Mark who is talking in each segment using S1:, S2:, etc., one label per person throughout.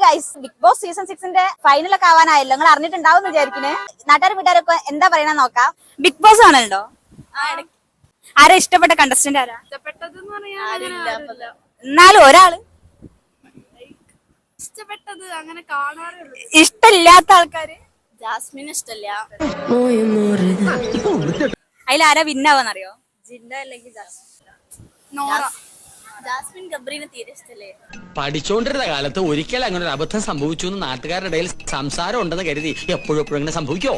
S1: Guys, Bigg Boss season 6ന്റെ ഫൈനലൊക്കെ ആവാനായല്ലോ. നിങ്ങൾ അറിഞ്ഞിട്ടുണ്ടാവും വിചാരിക്കുന്നേ. നാട്ടുകാരും വീട്ടുകാരൊക്കെ എന്താ പറയണ നോക്കാം. ബിഗ് ബോസ് ആണല്ലോ. ആരാ ഇഷ്ടപ്പെട്ട കണ്ടസ്റ്റന്റ്? ആരാ എന്നാലും ഒരാള്
S2: ഇഷ്ടപ്പെട്ടത് അങ്ങനെ കാണാറുള്ളൂ.
S1: ഇഷ്ടമില്ലാത്ത ആൾക്കാര്?
S2: ജാസ്മിൻ ഇഷ്ടല്ല.
S1: അതിലാരാ വിന്നാവെന്നറിയോ?
S2: ജിൻഡോ അല്ലെങ്കിൽ നോറ. ജാസ്മിൻ ഗബ്രീനെ തീരെ ഇഷ്ടല്ലേ.
S3: പഠിച്ചോണ്ടിരുന്ന കാലത്ത് ഒരിക്കൽ അങ്ങനെ ഒരു അബദ്ധം സംഭവിച്ചു എന്ന് നാട്ടുകാരുടെ ഇടയിൽ സംസാരം ഉണ്ടെന്ന് കരുതി എപ്പോഴും ഇങ്ങനെ സംഭവിക്കോ?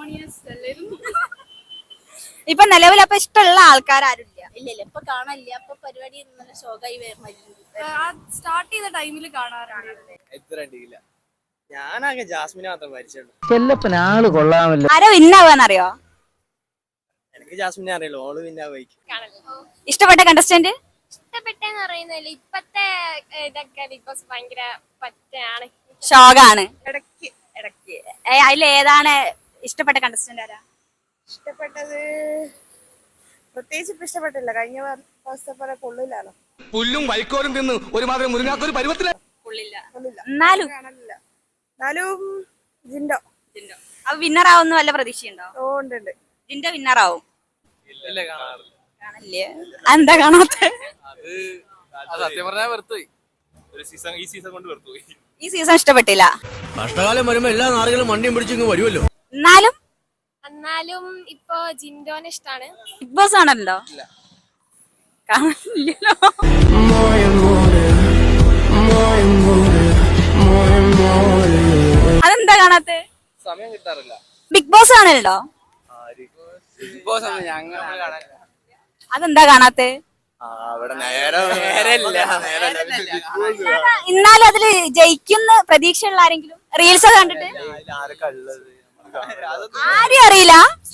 S1: ഇപ്പൊ നിലവിൽ അപ്പൊ ഇഷ്ടമുള്ള ആൾക്കാരും
S2: ഇല്ല ഇപ്പൊ കാണാനില്ല. അപ്പൊ പരിപാടി നല്ല ഷോക്കായി സ്റ്റാർട്ട് ചെയ്ത ടൈമിൽ കാണാറുണ്ട്.
S4: ഞാനാകെ ജാസ്മിനെ മാത്രം പരിചയമുള്ളൂ.
S5: ചെല്ലപ്പനാള് കൊള്ളാമല്ലോ.
S1: ആരാ വിന്നാവെന്നറിയോ?
S4: എനിക്ക് ജാസ്മിനെ അറിയുള്ളൂ. ഓള് പിന്നെ
S1: ഇഷ്ടപ്പെട്ട കണ്ടസ്റ്റന്റ്?
S2: ഇഷ്ടപ്പെട്ടെന്ന് പറയുന്നില്ല. ഇപ്പത്തെ ഇതൊക്കെ ബിഗ് ബോസ് ഭയങ്കര പറ്റാണ്,
S1: ഷോകാണ്. ഇടയ്ക്ക് അതിൽ ഏതാണ് ഇഷ്ടപ്പെട്ട കണ്ടസ്റ്റന്റ്? ആരാ
S6: ഇഷ്ടപ്പെട്ടത്? പ്രത്യേകിച്ച് ഇപ്പൊ ഇഷ്ടപ്പെട്ടില്ല. കഴിഞ്ഞ ദിവസത്തെ പോലെ കൊള്ളില്ലല്ലോ.
S3: പുല്ലും വൈക്കോലും തിന്ന് ഒരുമാതിരി മുരുങ്ങാത്തൊരു പരുവത്തില്
S1: എന്നാലും
S6: ജിൻഡോ
S1: അപ്പൊ വിന്നർ ആവുന്ന വല്ല പ്രതീക്ഷയുണ്ടോ?
S6: ഓ ഉണ്ട്.
S1: ജിൻഡോ വിന്നർ ആവും. കാണല്ലേ? എന്താ കാണാത്ത?
S4: സത്യം പറഞ്ഞാൽ വെറുത്തുപോയി.
S1: ഈ സീസൺ ഇഷ്ടപ്പെട്ടില്ല.
S3: കഷ്ടകാലം വരുമ്പോ എല്ലാ നാളുകളും വണ്ടിയും പിടിച്ചിങ്ങ് വരുമല്ലോ.
S2: എന്നാലും ഇപ്പൊ ജിൻഡോനെ ഇഷ്ടാണ്.
S1: ബിഗ് ബോസ് ആണല്ലോ. കാണില്ലല്ലോ. അതെന്താ കാണാത്ത?
S4: സമയം കിട്ടാറില്ല.
S1: ബിഗ് ബോസ് ആണല്ലോ. അതെന്താ കാണാത്ത? എന്നാലും അതില് ജയിക്കുന്ന പ്രതീക്ഷയുള്ള ആരെങ്കിലും റീൽസ് ഒക്കെ കണ്ടിട്ട്? ആരും അറിയില്ല.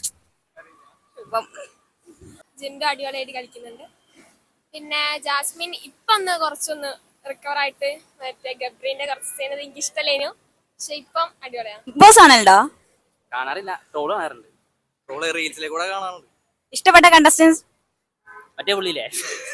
S2: ജിൻഡോ അടിപൊളിയായിട്ട് കളിക്കുന്നുണ്ട്. പിന്നെ ജാസ്മിൻ ഇപ്പൊ ഒന്ന് കുറച്ചൊന്ന് റിക്കവർ ആയിട്ട് മറ്റേ ഗബ്രീന്റെ കുറച്ച് ചെയ്യുന്നത് എനിക്ക് ഇഷ്ടമല്ലേനു. പക്ഷെ ഇപ്പം അടിപൊളിയാണ്.
S1: ബിഗ് ബോസ് ആണല്ലോ.
S4: കാണാറില്ല. ട്രോള് കാണാറുണ്ട്. ട്രോള് റീൽസിലെ കൂടെ കാണാറുണ്ട്.
S1: ഇഷ്ടപ്പെട്ട കണ്ടസ്റ്റൻസ്?
S4: മറ്റേ പുള്ളിയില്ലേ,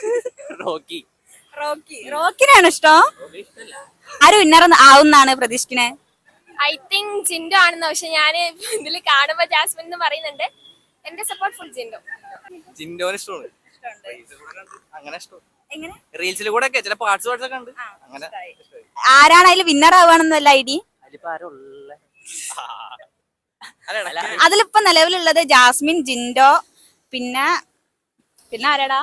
S1: റോക്കിനാണ് ഇഷ്ടം. ആര് വിന്നർ ആവുന്നാണ് പ്രതീക്ഷിക്കണേ?
S2: ഐ തിങ്ക് ജിൻഡോ ആണെന്ന്. പക്ഷെ ഞാൻ ഇതിൽ കാണുമ്പോ ജാസ്മിൻ എന്ന് പറയുന്നുണ്ട്. എന്റെ സപ്പോർട്ട് ഫുൾ ജിൻഡോ.
S4: ജിൻഡോന് ഇഷ്ടമാണ്. അങ്ങനെ ഇഷ്ടം. റീൽസിൽ കൂടെ ഒക്കെ ചില പാർട്സ് ഒക്കെ ഉണ്ട്. അങ്ങനെ
S1: ആരാണ് അതിൽ വിന്നർ ആവുകയാണെന്നല്ല ഐഡി? അതിലിപ്പോ നിലവിലുള്ളത് ജാസ്മിൻ, ജിൻഡോ, പിന്നെ ആരാടാ?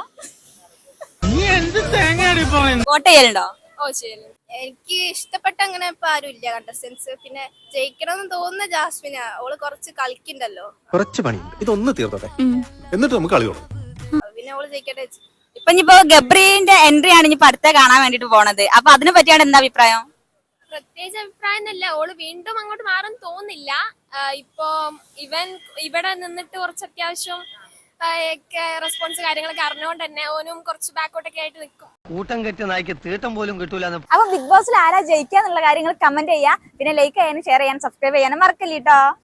S1: വോട്ട് ചെയ്യലുണ്ടോ?
S2: ഓ ശരി. എനിക്ക് ഇഷ്ടപ്പെട്ട അങ്ങനെ ഇപ്പൊ ആരും ഇല്ല കണ്ടസ്റ്റൻസ്. പിന്നെ ജയിക്കണമെന്ന് തോന്നുന്ന ജാസ്മിനാ. ഓള് കുറച്ച് കളിക്കണ്ടല്ലോ.
S7: കുറച്ച് പണിയുണ്ട്, ഇതൊന്ന് തീർത്തോട്ടെ എന്നിട്ട് നമുക്ക് കളി തുടങ്ങാം.
S2: പിന്നെ ഓള് ജയിക്കട്ടെ.
S1: ഇപ്പൊ ഗബ്രീന്റെ എൻട്രി ആണ് ഇനിയിപ്പോ അടുത്ത കാണാൻ വേണ്ടിട്ട് പോണത്. അപ്പൊ അതിനെ പറ്റിയാണ് എന്താ അഭിപ്രായം?
S2: പ്രത്യേകിച്ച് അഭിപ്രായം എന്നല്ല, ഓള് വീണ്ടും അങ്ങോട്ട് മാറാൻ തോന്നില്ല. ഇപ്പൊ ഇവിടെ നിന്നിട്ട് കുറച്ച് അത്യാവശ്യം റെസ്പോൺസ് കാര്യങ്ങളൊക്കെ അറിഞ്ഞുകൊണ്ട് തന്നെ ഓനും കുറച്ച് ബാക്കോട്ടൊക്കെ ആയിട്ട് നിൽക്കും.
S5: കൂട്ടം കെട്ടി നായ്ക്ക് തീട്ടം പോലും കിട്ടൂല.
S1: അപ്പൊ ബിഗ് ബോസിൽ ആരാ ജയിക്കാന്നുള്ള കാര്യങ്ങൾ കമന്റ് ചെയ്യാ. പിന്നെ ലൈക്ക് ചെയ്യാനും ഷെയർ ചെയ്യാനും സബ്സ്ക്രൈബ് ചെയ്യാനും മറക്കല്ലേട്ടോ.